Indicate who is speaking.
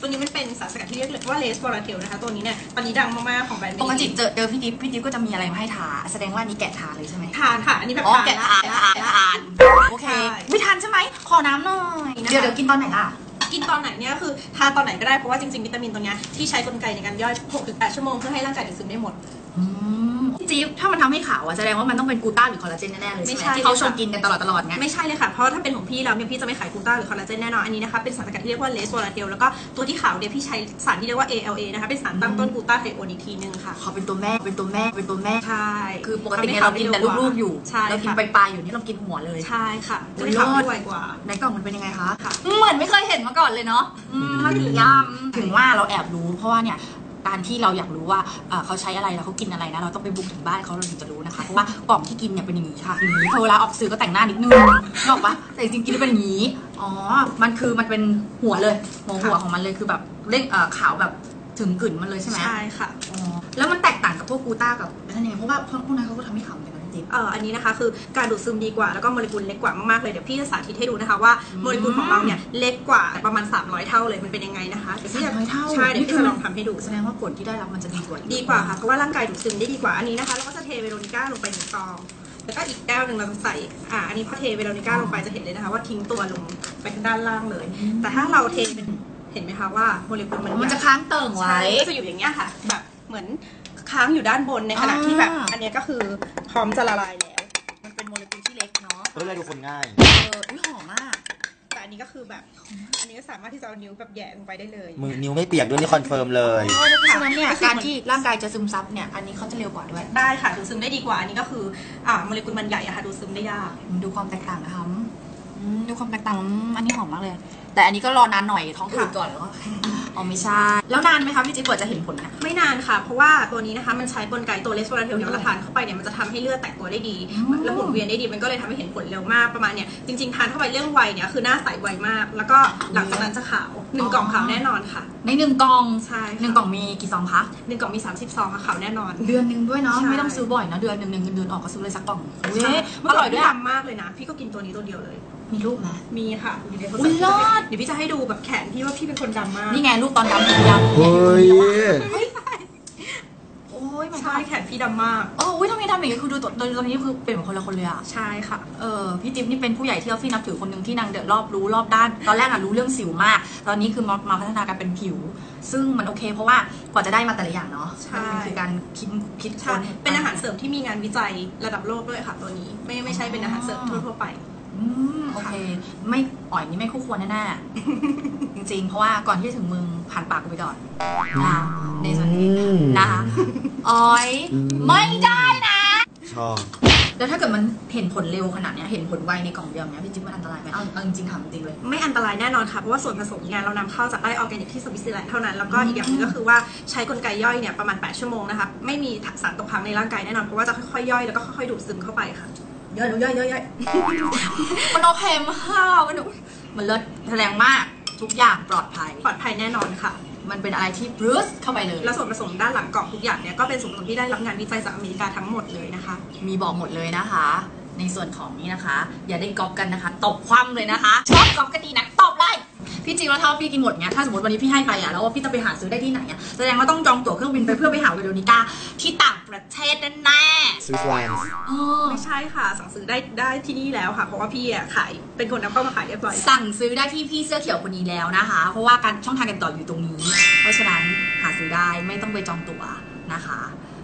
Speaker 1: ตัวนี้มันเป็นสารสกัดที่เรียกว่าเลสวอลาเทลนะคะตัวนี้เนี่ยตอนนี้ดังมากๆของแบรนด์
Speaker 2: ปกติเจอพี่ดิฟก็จะมีอะไรมาให้ทาแสดงว่านี้แกะทาเลยใช่ไหม
Speaker 1: ทานค่ะอันนี้แบบ
Speaker 2: แกะทานโอเคไม่ทานใช่ไหมขอน้ำหน่อยเดี๋ยวกินตอนไหนล่ะ
Speaker 1: กินตอนไหนเนี่ยคือทานตอนไหนก็ได้เพราะว่าจริงๆวิตามินตัวนี้ที่ใช้กลไกในการย่อย 6-8 ชั่วโมงเพื่อให้ร่างกายดูดซึมได้หมด
Speaker 2: จี๊บถ้ามันทำให้ขาวอะแสดงว่ามันต้องเป็นกูต้าหรือคอลลาเจนแน่ๆเลยใช่ไหมที่เขาชวนกินกันตลอดไง
Speaker 1: ไม่ใช่เลยค่ะเพราะถ้าเป็นของพี่แล้วเนี่ยพี่จะไม่ขายกูต้าหรือคอลลาเจนแน่นอนอันนี้นะคะเป็นสารสกัดที่เรียกว่าเลสวอลาเทลแล้วก็ตัวที่ขาวเนี่ยพี่ใช้สารที่เรียกว่า ALA นะคะเป็นสารตั้งต้นกูต้าไทโอนอีกทีนึงค่ะ
Speaker 2: เขาเป็นตัวแม่
Speaker 1: ใช่
Speaker 2: คือปกติเรากินแต่ลูกๆอยู่เรากินปลายๆอยู่นี่เรากินหัวเลย
Speaker 1: ใช่ค่ะจะได้ขาวด้วยกว่า
Speaker 2: ในกล่องมันเป็นยังไงคะเหมือนไม่เคยเห็นมาก่อนเลยเนาะมาถึงถึงว่าเราแอบรู้เพราะว่าเนี่ยการที่เราอยากรู้ว่าเขาใช้อะไรแล้วเขากินอะไรนะเราต้องไปบุกถึงบ้านเขาเราถึงจะรู้นะคะเพราะว่ากล่องที่กินเนี่ยเป็นอย่างนี้ค่ะอย่างนี้พอเวลาออกสื่อก็แต่งหน้านิดนึงนอกปะแต่จริงๆกินเป็นอย่างนี้อ๋อมันเป็นหัวเลยหัวของมันเลยคือแบบเร่งขาวแบบถึงกลิ่นมันเลยใช่ไหม
Speaker 1: ใช่ค่ะ
Speaker 2: อ๋อแล้วมันแตกต่างกับพวกกูต้ากับนั่นเองเพราะว่าพวกนั้นเขาก็ทำให้ขาวเหมือนกัน
Speaker 1: อันนี้นะคะคือการดูดซึมดีกว่าแล้วก็โมเลกุลเล็กกว่ามากๆเลยเดี๋ยวพี่จะสาธิตให้ดูนะคะว่าโมเลกุลของเราเนี่ยเล็กกว่าประมาณ300เท่าเลยมันเป็นยังไงนะคะ
Speaker 2: 300เท่า
Speaker 1: ใช่เดี๋ยวพี่จะลองทำให้ดู
Speaker 2: แสดงว่าผลที่ได้รับมันจะดีก
Speaker 1: ว่าค่ะเพราะว่าร่างกายดูดซึมได้ดีกว่าอันนี้นะคะเราก็จะเทเวโรนิก้าลงไป1 ซองแล้วก็อีกแก้วหนึ่งเราจะใส่อันนี้พอเทเวโรนิก้าลงไปจะเห็นเลยนะคะว่าทิ้งตัวลงไปด้านล่างเลยแต่ถ้าเราเทเป็นเห็นไหมคะว่าโมเลกุล
Speaker 2: มันจะค้างเติ่งไว้
Speaker 1: ก็จะอยู่อย่างเงี้ยค่ะแบบเหมือนค้างอยู่ด้านบนในขณะที่แบบอันนี้ก็คือพร้อมจะละลายแล้ว
Speaker 2: เป็นโมเลกุลที่เล็กเนาะ
Speaker 3: ก็เลยดูคนง่าย
Speaker 2: อุ้ยหอมมาก
Speaker 1: แต่อันนี้ก็คือแบบอันนี้ก็สามารถที่จะเอานิ้วแบบแย่ลงไปได้เลย
Speaker 3: มือนิ้วไม่เปียกด้วยนี่คอนเฟิร์มเลย
Speaker 2: ฉะนั้นเนี่ยการที่ร่างกายจะซึมซับเนี่ยอันนี้เขาจะเร็วกว่าด้วย
Speaker 1: ได้ค่ะดูดซึมได้ดีกว่าอันนี้ก็คือโมเลกุลมันใหญ่อะค่ะดูดซึมได้ยาก
Speaker 2: ดูความแตกต่างนะคะดูความแตกต่างอันนี้หอมมากเลยแต่อันนี้ก็รอนานหน่อยท้องอืดก่อนแล้วก็อ๋อไม่ใช่แล้วนานไหมคะพี่จิ๊บกว่าจะเห็นผลนะ
Speaker 1: ไม่นานค่ะเพราะว่าตัวนี้นะคะมันใช้กลไกตัวเลสโวลาเทลเนี่ยเราทานเข้าไปเนี่ยมันจะทำให้เลือดแตกตัวได้ดีและหมุนเวียนได้ดีมันก็เลยทำให้เห็นผลเร็วมากประมาณเนี่ยจริงๆทานเข้าไปเรื่องวัยเนี่ยคือหน้าใสไวมากแล้วก็หลังจากนั้นจะขาว1 กล่องขาวแน่นอนค่ะ
Speaker 2: ใน1 กล่อง
Speaker 1: ใช่
Speaker 2: 1 กล่องมีกี่ซองคะ
Speaker 1: 1 กล่องมี30 ซองค่ะขาวแน่นอน
Speaker 2: เดือนนึงด้วยเนาะไม่ต้องซื้อบ่อยนะเดือนนึงเงินเดือนออกก็ซื้อเลยสักกล่อง
Speaker 1: อร่อยด้วยมากเลยนะพี่ก็กินตัวนี้ตัวเดียวเลย
Speaker 2: มีรูปไหม
Speaker 1: มีค่ะอยู่ในโทรศัพท์เดี๋ยวพี่จะให้ดูแบบแขนพี่ว่าพี่เป็นคนดำมาก
Speaker 2: นี่ไงรูปตอนดำผมดำ
Speaker 3: เฮ้ย
Speaker 2: โอ้ย
Speaker 1: ใช่แขนพี่ดำมาก
Speaker 2: ทำไมดำอย่างนี้คือดูตอนนี้คือเป็นเหมือนคนละคนเลยอะ
Speaker 1: ใช่ค่ะ
Speaker 2: พี่จิ๊บนี่เป็นผู้ใหญ่ที่ออฟฟี่นับถือคนหนึ่งที่นางเดินรอบรู้รอบด้านตอนแรกรู้เรื่องสิวมากตอนนี้คือมาพัฒนาการเป็นผิวซึ่งมันโอเคเพราะว่ากว่าจะได้มาแต่ละอย่างเนาะมันคือการคิด
Speaker 1: ค้นเป็นอาหารเสริมที่มีงานวิจัยระดับโลกด้วยค่ะตัวนี้ไม่ใช่เป็นอาหารเสริมทั่วไป
Speaker 2: โอเคไม่อ่อยนี่ไม่คู่ควรแน่ๆจริงๆเพราะว่าก่อนที่จะถึงมึงผ่านปากกูไปก่อนนะในส่วนนี้นะคะอ่อยไม่ได้นะ
Speaker 3: ชอบ
Speaker 2: แล้วถ้าเกิดมันเห็นผลเร็วขนาดนี้เห็นผลไวในกล่องเดียวเนี้ยพี่จิ๊บมันอันตรายไหมเอาจริงๆถามจริงเลย
Speaker 1: ไม่อันตรายแน่นอนค่ะเพราะว่าส่วนผสมงานเรานำเข้าจากไร่ออร์แกนิกที่สวิตเซอร์แลนด์เท่านั้นแล้วก็อีกอย่างนึงก็คือว่าใช้กลไกย่อยเนี่ยประมาณ8 ชั่วโมงนะคะไม่มีสารตกค้างในร่างกายแน่นอนเพราะว่าจะค่อยๆย่อยแล้วก็ค่อยๆดูดซึมเข้าไปค่ะย่อย
Speaker 2: มันโอเคมากมันเลิศแสดงมากทุกอย่างปลอดภัย
Speaker 1: แน่นอนค่ะ
Speaker 2: มันเป็นอะไรที่บรูซเข้าไปเลย
Speaker 1: แล้วส่วนผสมด้านหลังกล่องทุกอย่างเนี่ยก็เป็นส่วนผสมที่ได้รับงานวิจัยจากอเมริกาทั้งหมดเลยนะคะ
Speaker 2: มีบอกหมดเลยนะคะในส่วนของนี้นะคะอย่าได้ก๊อปกันนะคะตบคว่ำเลยนะคะชอบก๊อปก็ดีนะตบเลยพี่จริงแล้วถ้าพี่กินหมดเงี้ยถ้าสมมติวันนี้พี่ให้ใครแล้วว่าพี่จะไปหาซื้อได้ที่ไหนอะแสดงว่าต้องจองตั๋วเครื่องบินไปเพื่อไปหาเวโรนิก้าที่ต่างประเทศแน่
Speaker 3: สวิตเซอร์แลนด์
Speaker 1: ไม่ใช่ค่ะสั่งซื้อได้ที่นี่แล้วค่ะเพราะว่าพี่ขายเป็นคนนำเข้ามาขายเรียบร้อย
Speaker 2: สั่งซื้อได้ที่พี่เสื้อเขียวคนนี้แล้วนะคะเพราะว่าการช่องทางการต่ออยู่ตรงนี้เพราะฉะนั้นหาซื้อได้ไม่ต้องไปจองตั๋วนะคะ